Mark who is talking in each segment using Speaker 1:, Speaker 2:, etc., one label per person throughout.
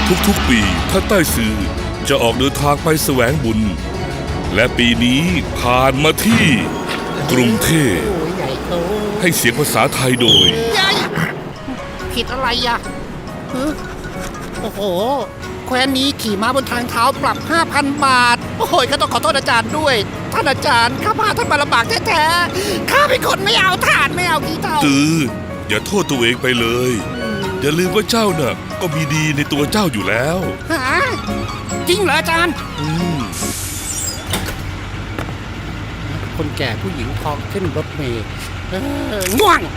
Speaker 1: ทุกๆปีท่านใต้ซื่อจะออกเดินทางไปแสวงบุญและปีนี้ผ่านมาที่กรุงเทพ
Speaker 2: โอ้ยใหญ่โต
Speaker 1: ให้เสียงภาษาไทยโดย
Speaker 2: ใหญ่ผิดอะไรอ่ะโอ้โหแคว้นนี้ขี่ม้าบนทางเท้าปรับ 5,000 บาท โอ้ยก็ต้องขอโทษอาจารย์ด้วย ท่านอาจารย์ข้าพาท่านมาลำบากแท้ๆข้าเป็นคนไม่เอาถ่านไม่เอาขี้เถ้า
Speaker 1: ตืออย่าโทษตัวเองไปเลย อย่าลืมว่าเจ้าน่ะก็มีดีในตัวเจ้าอยู่แล้ว
Speaker 2: ฮะจริงเหรออาจารย์ คนแก่ผู้หญิงทองขึ้นรถเมล์ง่วง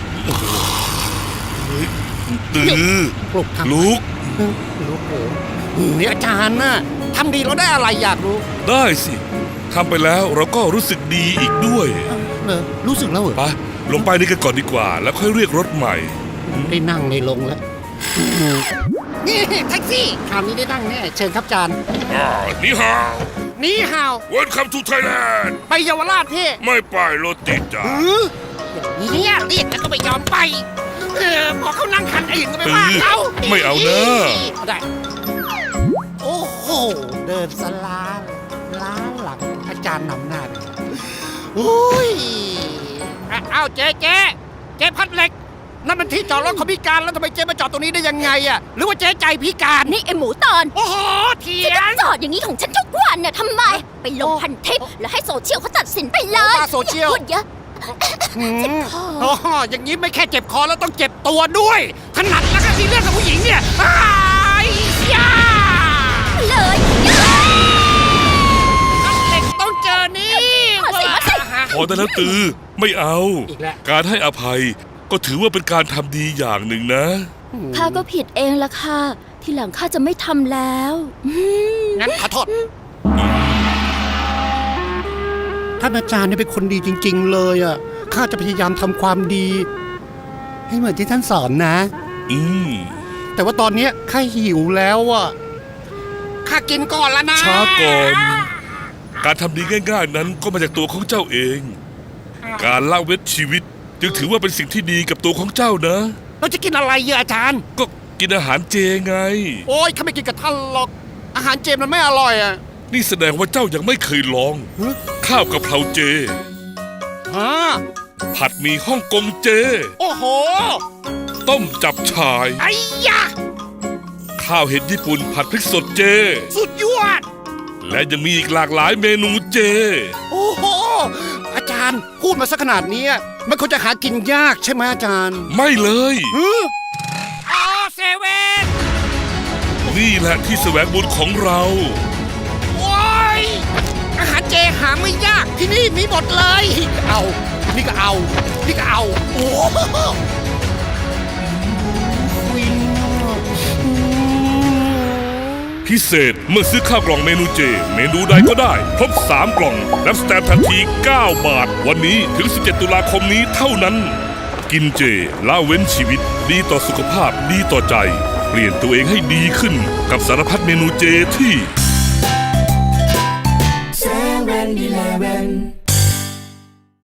Speaker 1: ตือ
Speaker 2: ปลุกทำ
Speaker 1: ลุก
Speaker 2: ลูกโอ้นี่อาจารย์น่ะทำดีเราได้อะไรอยากรู้
Speaker 1: ได้สิทำไปแล้วเราก็รู้สึกดีอีกด้วย
Speaker 2: รู้สึกแล้วเหรอ
Speaker 1: ไปลงไปนี่กันก่อนดีกว่า แล้วค่อยเรียกรถใหม่
Speaker 2: ได้นั่งในลงแล้วนี่แท็กซี่คราวนี้ได้นั่งแน่เชิญครับอาจารย์
Speaker 1: นี่ฮาว
Speaker 2: นี่ฮาว
Speaker 1: Welcome to Thailand
Speaker 2: ไปเยาวราชพี่
Speaker 1: ไม่ไปรถติดจ้า
Speaker 2: เนี่ยเรียกแล้วก็ไม่ยอมไปพอเขานั่งคันอื่นก็ไม่ว่าเขา
Speaker 1: ไม่เอาเนอะ
Speaker 2: ได้โอ้โหเดินสลาล้าหลังอาจารย์นำหน้าเลยโอ้ยเอาเจ๊พัดเหล็กนั่นมันที่จอดรถของพิการแล้วทำไมเจ๊มาจอดตรงนี้ได้ยังไงอะหรือว่าเจ๊ใจพิการ
Speaker 3: นี่ไอหมูตอน
Speaker 2: โอ้โหเถีย
Speaker 3: ฉัน
Speaker 2: ง
Speaker 3: จะจอดอย่างนี้ของฉันทุกวันน่ะทำไม ไปลงพันทิปแล้วให้โซเชียลเขาตัดสินไปเลย
Speaker 2: โซเชียล
Speaker 3: พูดเยอะ
Speaker 2: โอ้โหอย่างนี้ไม่แค่เจ็บคอแล้วต้องเจ็บตัวด้วยถนัดแล้วก็ที่เรื่องกับผู้หญิงเนี่ยอ้ายยา
Speaker 3: เลย
Speaker 2: เหล็กต้องเจอนี่
Speaker 3: มาสิมาสิ
Speaker 1: พอได้แล้วตือไม่เอา
Speaker 2: อีกแล้ว
Speaker 1: การให้อภัยก็ถือว่าเป็นการทำดีอย่างหนึ่งนะ
Speaker 3: ข้าก็ผิดเองละค่ะ ทีหลังข้าจะไม่ทำแล้ว
Speaker 2: งั้นขอโทษท่านอาจารย์นี่เป็นคนดีจริงๆเลยอ่ะข้าจะพยายามทำความดี ให้เหมือนที่ท่านสอนนะ แต่ว่าตอนนี้ข้าหิวแล้วอ่ะข้ากินก่อนแล้วนะ
Speaker 1: ช้าก่อน การทำดีง่ายๆนั้นก็มาจากตัวของเจ้าเอง การละเว้นชีวิตจึงถือว่าเป็นสิ่งที่ดีกับตัวของเจ้านะ
Speaker 2: เราจะกินอะไรเยอะอาจารย์
Speaker 1: ก็กินอาหารเจไง
Speaker 2: โอ้ยข้าไม่กินกับท่านหรอกอาหารเจมันไม่อร่อยอ่ะ
Speaker 1: นี่แสดงว่าเจ้ายังไม่เคยลอง ข้าวกะเพราเจ
Speaker 2: ฮะ
Speaker 1: ผัดหมี่ฮ่องกงเจ
Speaker 2: โอ้โห
Speaker 1: ต้มจับฉ่าย
Speaker 2: ไอ้ยะ
Speaker 1: ข้าวเห็ดญี่ปุ่นผัดพริกสดเจ
Speaker 2: สุดยอด
Speaker 1: และยังมีอีกหลากหลายเมนูเจ
Speaker 2: โอ้โหอาจารย์พูดมาสักขนาดนี้มันคงจะหากินยากใช่ไหมอาจารย์
Speaker 1: ไม่เลย
Speaker 2: อ๋อเซเว่น
Speaker 1: นี่แหละที่แสวงบุญของเรา
Speaker 2: โอ้ยอาหารเจหาไม่ยากที่นี่มีหมดเลยเอานี่ก็เอานี่ก็เอาโอ้โหฟิน
Speaker 1: พิเศษเมื่อซื้อข้าวกล่องเมนูเจ เมนูใดก็ได้ครบ3 กล่องรับสแตมป์ทันที 9 บาท วันนี้ถึง 17 ตุลาคมนี้เท่านั้น กินเจละเว้นชีวิตดีต่อสุขภาพดีต่อใจ เปลี่ยนตัวเองให้ดีขึ้นกับสารพัดเมนูเจที่